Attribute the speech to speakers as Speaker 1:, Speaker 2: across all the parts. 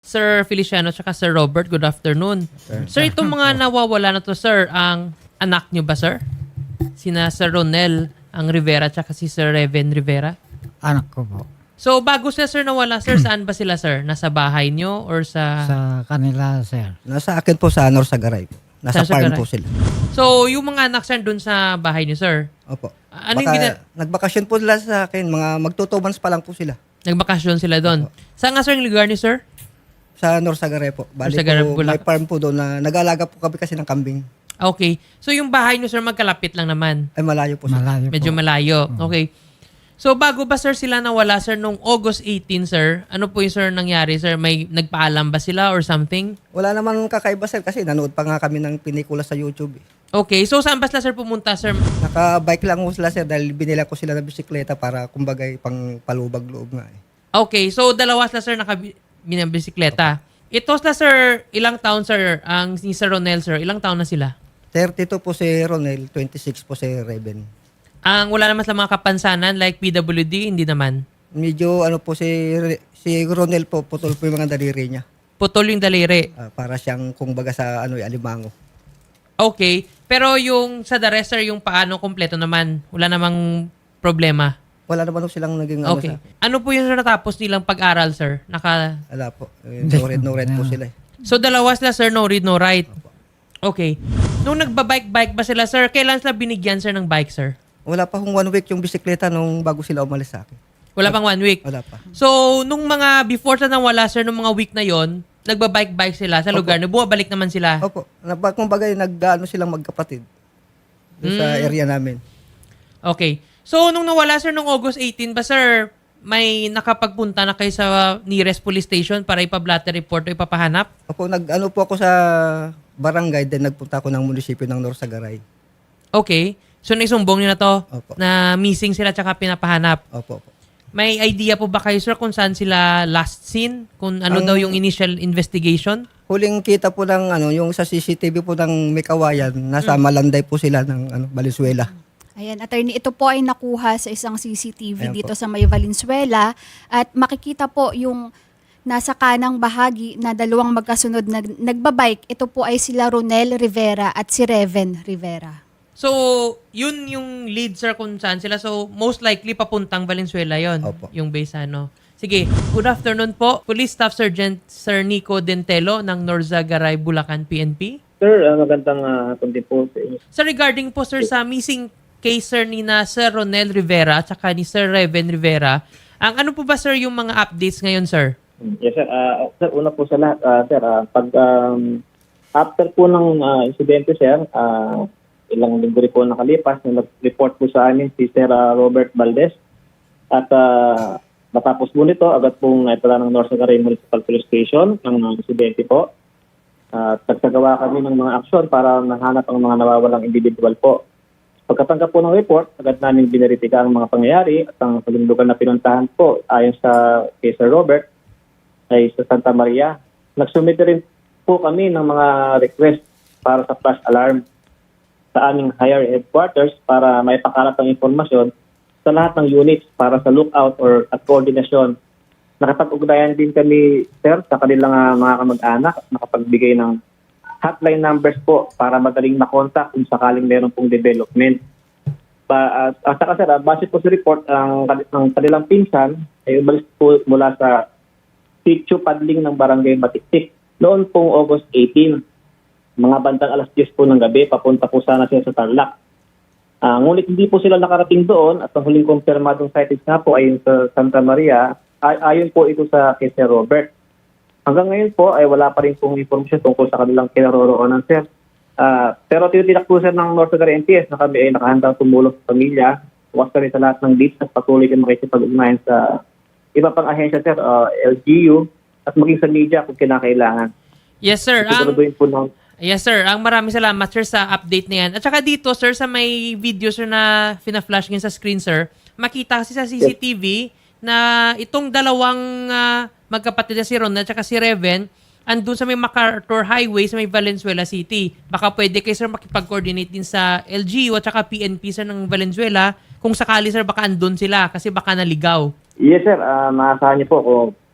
Speaker 1: Sir Feliciano at Sir Robert, good afternoon. Sir, itong mga nawawala na to, sir, ang anak nyo ba, sir? Sina Sir Ronel ang Rivera at si Sir Reven Rivera?
Speaker 2: Anak ko po.
Speaker 1: So, bago sila, sir, nawala, sir, saan ba sila, sir? Nasa bahay nyo or sa...
Speaker 2: Sa kanila, sir.
Speaker 3: Nasa akin po sa Norsagaray po. Nasa
Speaker 1: Sa
Speaker 3: farm
Speaker 1: Sagaray.
Speaker 3: po sila.
Speaker 1: So, yung mga anak, sir, dun sa bahay nyo, sir?
Speaker 3: Opo.
Speaker 1: Ano yung
Speaker 3: Nagbakasyon po sila sa akin. Mga mag-2 months pa lang po sila.
Speaker 1: Nagbakasyon sila doon. Saan nga, sir, yung lugar niyo, sir?
Speaker 3: Sa Norsagaray po. Bali
Speaker 1: Norsagaray,
Speaker 3: po,
Speaker 1: Bulacan.
Speaker 3: may farm po doon na nag-aalaga po kami kasi ng kambing.
Speaker 1: Okay. So, yung bahay niyo, sir, magkalapit lang naman.
Speaker 3: Ay malayo po sila.
Speaker 2: Malayo
Speaker 1: Medyo
Speaker 2: po.
Speaker 1: malayo. Okay. So, bago ba, sir, sila nawala, sir, nung August 18, sir? Ano po yung, sir, nangyari, sir? May nagpaalam ba sila or something?
Speaker 3: Wala naman kakaiba sir kasi nanood pa nga kami ng pinikula sa YouTube.
Speaker 1: Okay. So, saan ba sila, sir, pumunta, sir?
Speaker 3: Naka-bike lang po sila sir dahil binila ko sila ng bisikleta para kumbaga pang palubag-loob nga eh.
Speaker 1: Okay. So, dalawa sila, sir, binabisikleta. Ito sila, sir, ilang taon, sir? Ang ni Sir Ronel, sir, ilang taon na sila?
Speaker 3: 32 po si Ronel, 26 po si Reven.
Speaker 1: Ang wala naman sa mga kapansanan like PWD, hindi naman.
Speaker 3: Medyo ano po si Ronel po, putol po yung mga daliri niya.
Speaker 1: Putol yung daliri.
Speaker 3: Para siyang kumbaga sa alimango.
Speaker 1: Okay. Pero yung sa the rest, sir, yung paano kompleto naman, wala namang problema.
Speaker 3: Wala naman po silang naging
Speaker 1: Okay. Ano po yung natapos nilang pag-aral, sir?
Speaker 3: Wala po. No red po sila eh.
Speaker 1: So, dalawa sila, sir, no read, no write. Okay. Nung nagbabike-bike ba sila, sir, kailan sila binigyan, sir, ng bike, sir?
Speaker 3: Wala pa kung 1 week yung bisikleta nung bago sila umalis sa akin.
Speaker 1: Wala pang 1 week.
Speaker 3: Wala pa.
Speaker 1: So, nung mga before sila nawala, sir, nung mga week na yon, nagbabike-bike sila sa lugar na bumabalik naman sila.
Speaker 3: Opo. Kumbaga nag-ano silang magkapatid. Doon sa area namin.
Speaker 1: Okay. So, nung nawala, sir, nung August 18 ba, sir, may nakapagpunta na kayo sa nearest police station para ipablatter report o ipapahanap?
Speaker 3: Opo, nag-ano po ako sa barangay, then nagpunta ako ng munisipyo ng Norsagaray.
Speaker 1: Okay. So, naisumbong nyo na to
Speaker 3: Opo.
Speaker 1: na missing sila tsaka pinapahanap.
Speaker 3: Opo.
Speaker 1: May idea po ba kayo, sir, kung saan sila last seen? Kung ano daw yung initial investigation?
Speaker 3: Huling kita po ng yung sa CCTV po ng Mikawayan, nasa Malanday po sila ng Valenzuela.
Speaker 4: Ayan, attorney, ito po ay nakuha sa isang CCTV
Speaker 3: Ayan
Speaker 4: dito
Speaker 3: po.
Speaker 4: sa May Valenzuela at makikita po yung nasa kanang bahagi na dalawang magkasunod na nagbabike. Ito po ay sila Ronel Rivera at si Reven Rivera.
Speaker 1: So, yun yung lead, sir, kung saan sila. So, most likely papuntang Valenzuela yon,
Speaker 3: Opo.
Speaker 1: yung base, ano. Sige, good afternoon po. Police Staff Sergeant Sir Nico Dentelo ng Norzagaray, Bulacan, PNP.
Speaker 5: Sir, magandang hapon din po sa inyo.
Speaker 1: Sir, regarding po, sir, sa missing case, sir, ni na Sir Ronel Rivera at saka ni Sir Reven Rivera, ang ano po ba, sir, yung mga updates ngayon, sir?
Speaker 5: Yes, sir. Sir, una po sa lahat, sir, after po ng insidente, sir, ilang linggo rin po nakalipas, nag-report po sa amin si Sir Robert Valdez. At matapos po nito, agad pong naitala ng Norzagaray Municipal Police Station ng insidente po. Nagsagawa kami ng mga aksyon para mahanap ang mga nawawalang individual po. Pagkatanggap po ng report, agad namin bineritika ang mga pangyayari at ang huling lugar na pinuntahan po ayon sa kay Sir Robert ay sa Santa Maria. Nagsumite rin po kami ng mga request para sa flash alarm sa aming higher headquarters para may pakalat ang informasyon sa lahat ng units para sa lookout or at koordinasyon. Nakapag-ugnayan din kami, sir, sa kanilang mga kamag-anak at nakapagbigay ng hotline numbers po para madaling makontak kung sakaling meron pong development. At saka, sir, base po sa report, ang kanilang pinsan ay umalis po mula sa sitio paddling ng barangay Matiktik noon pong August 18. Mga bandang alas 10 po ng gabi, papunta po sana sila sa Tarlac. Ngunit hindi po sila nakarating doon at ang huling kumpirmadong sightings nga po ay sa Santa Maria, ayon po ito sa kay Sir Robert. Hanggang ngayon po ay wala pa rin pong informasyon tungkol sa kanilang kinaroroonan, sir. Pero tinitiyak po, sir, ng Norzagaray NPS na kami ay nakahandang tumulong sa pamilya, bukas kami sa lahat ng leads at patuloy kami makikipag-ugnayan sa iba pang ahensya, sir, LGU at maging sa media kung kinakailangan.
Speaker 1: Yes, sir.
Speaker 5: Siguraduhin po ng
Speaker 1: Yes, sir. Ang maraming salamat, sir, sa update na yan. At saka dito, sir, sa may video, sir, na fina-flash ngayon sa screen, sir, makita kasi sa CCTV na itong dalawang magkapatid na si Ron at saka si Reven andun sa may MacArthur Highway sa may Valenzuela City. Baka pwede kayo, sir, makipag-coordinate din sa LGU at saka PNP, sir, ng Valenzuela. Kung sakali, sir, baka andun sila kasi baka naligaw.
Speaker 5: Yes, sir. Maasahan niyo po kung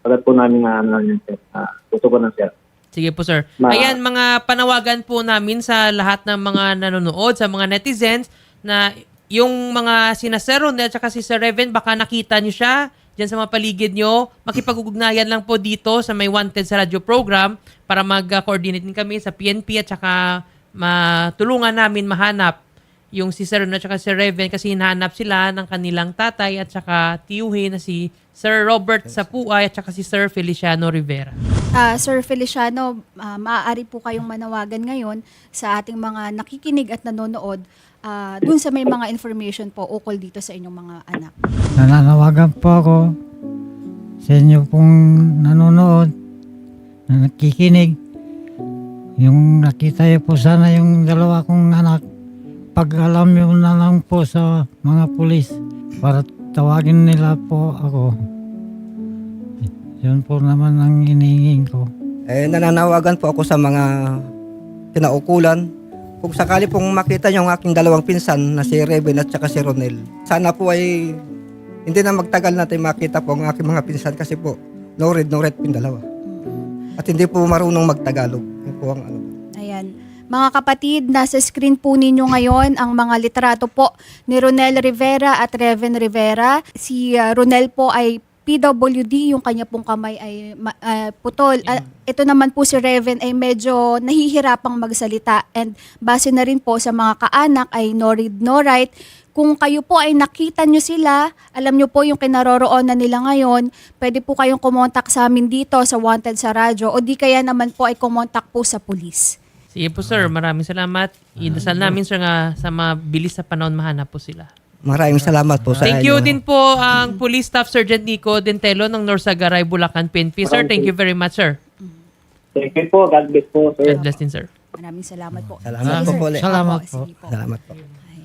Speaker 5: agad po namin sir. Gusto ko na, sir.
Speaker 1: Sige po, sir.
Speaker 5: Ma-
Speaker 1: Ayan, mga panawagan po namin sa lahat ng mga nanonood, sa mga netizens, na yung mga sina Sir Ronel at si Sir Reven, baka nakita nyo siya dyan sa mga paligid nyo. Makipag-ugnayan lang po dito sa May Wanted sa radio program para mag-coordinate din kami sa PNP at saka matulungan namin mahanap yung si Sir Ronel at si Sir Reven kasi hinahanap sila ng kanilang tatay at saka tiyuhin na si Sir Robert Sapuay at saka si Sir Feliciano Rivera.
Speaker 4: Sir Feliciano, maaari po kayong manawagan ngayon sa ating mga nakikinig at nanonood dun sa may mga information po ukol dito sa inyong mga anak.
Speaker 2: Nananawagan po ako sa inyo pong nanonood, na nakikinig. Yung nakita niyo po sana yung dalawa kong anak, pag-alam niyo na lang po sa mga pulis para tawagin nila po ako. Yun po naman ang hinihingin ko.
Speaker 3: Nananawagan po ako sa mga kinaukulan. Kung sakali pong makita niyo ang aking dalawang pinsan na si Reven at saka si Ronel, sana po ay hindi na magtagal natin makita po ang aking mga pinsan kasi po no red po yung dalawa. At hindi po marunong magtagalog. Yun po ang ano.
Speaker 4: Ayan. Mga kapatid, nasa screen po ninyo ngayon ang mga litrato po ni Ronel Rivera at Reven Rivera. Si Ronel po ay PWD, yung kanya pong kamay ay putol. Ito naman po si Reven ay medyo nahihirapang magsalita and base na rin po sa mga kaanak ay no read, no write. Kung kayo po ay nakita nyo sila, alam nyo po yung kinaroroonan nila ngayon, pwede po kayong kumontak sa amin dito sa Wanted sa Radyo o di kaya naman po ay kumontak po sa pulis.
Speaker 1: Sige po, sir. Maraming salamat. Idasal namin, sir, nga sa mabilis sa panahon mahanap po sila.
Speaker 3: Maraming salamat po sa
Speaker 1: Thank you
Speaker 3: inyo.
Speaker 1: din po ang Police Staff Sergeant Nico Dentelo ng Norsagaray, Bulacan, PNP. Sir, thank you very much, sir.
Speaker 5: Thank you po. God bless po, sir.
Speaker 1: God bless din, sir.
Speaker 4: Maraming salamat po.
Speaker 3: Salamat
Speaker 4: Sige,
Speaker 3: po
Speaker 4: sir.
Speaker 3: po ulit.
Speaker 2: Salamat
Speaker 4: Opo,
Speaker 2: po.
Speaker 4: sige po.
Speaker 3: Salamat po.
Speaker 4: Ay.